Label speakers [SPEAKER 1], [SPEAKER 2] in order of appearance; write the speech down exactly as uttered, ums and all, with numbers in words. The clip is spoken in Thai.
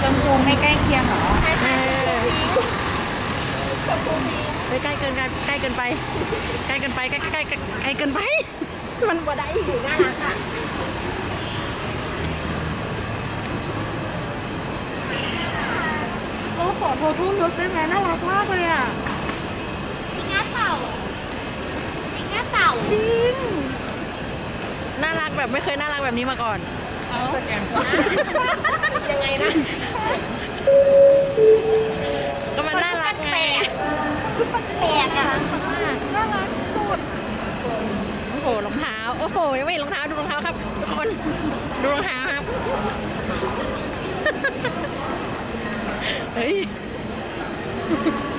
[SPEAKER 1] ชมพูไม่ใกล้เคียงเหรอ
[SPEAKER 2] ใช่ใช่กับภูมิ
[SPEAKER 3] ไปใกล้เกินกันใกล้เกินไปใกล้เกินไปใกล้ใกล้ใกล้ใกล้เกินไปมันบ่ได้
[SPEAKER 2] น่ารักอ่ะ
[SPEAKER 3] โอ้ขอโทรทุ่มรถได้ไหมน่ารักมากเลยอ่ะ
[SPEAKER 2] จิงง่าเต่าจิงง่าเต่า
[SPEAKER 3] จริงน่ารักแบบไม่เคยน่ารักแบบนี้มาก่อน
[SPEAKER 1] สแกน
[SPEAKER 2] ยังไงนะ
[SPEAKER 3] ก็มันน่ารักไง
[SPEAKER 2] แปลกแปลกอ่ะ
[SPEAKER 3] น่ารักสุดโอ้โหรองเท้าโอ้โหยังไม่เห็นรองเท้าดูรองเท้าครับทุกคนดูรองเท้าครับเฮ้ย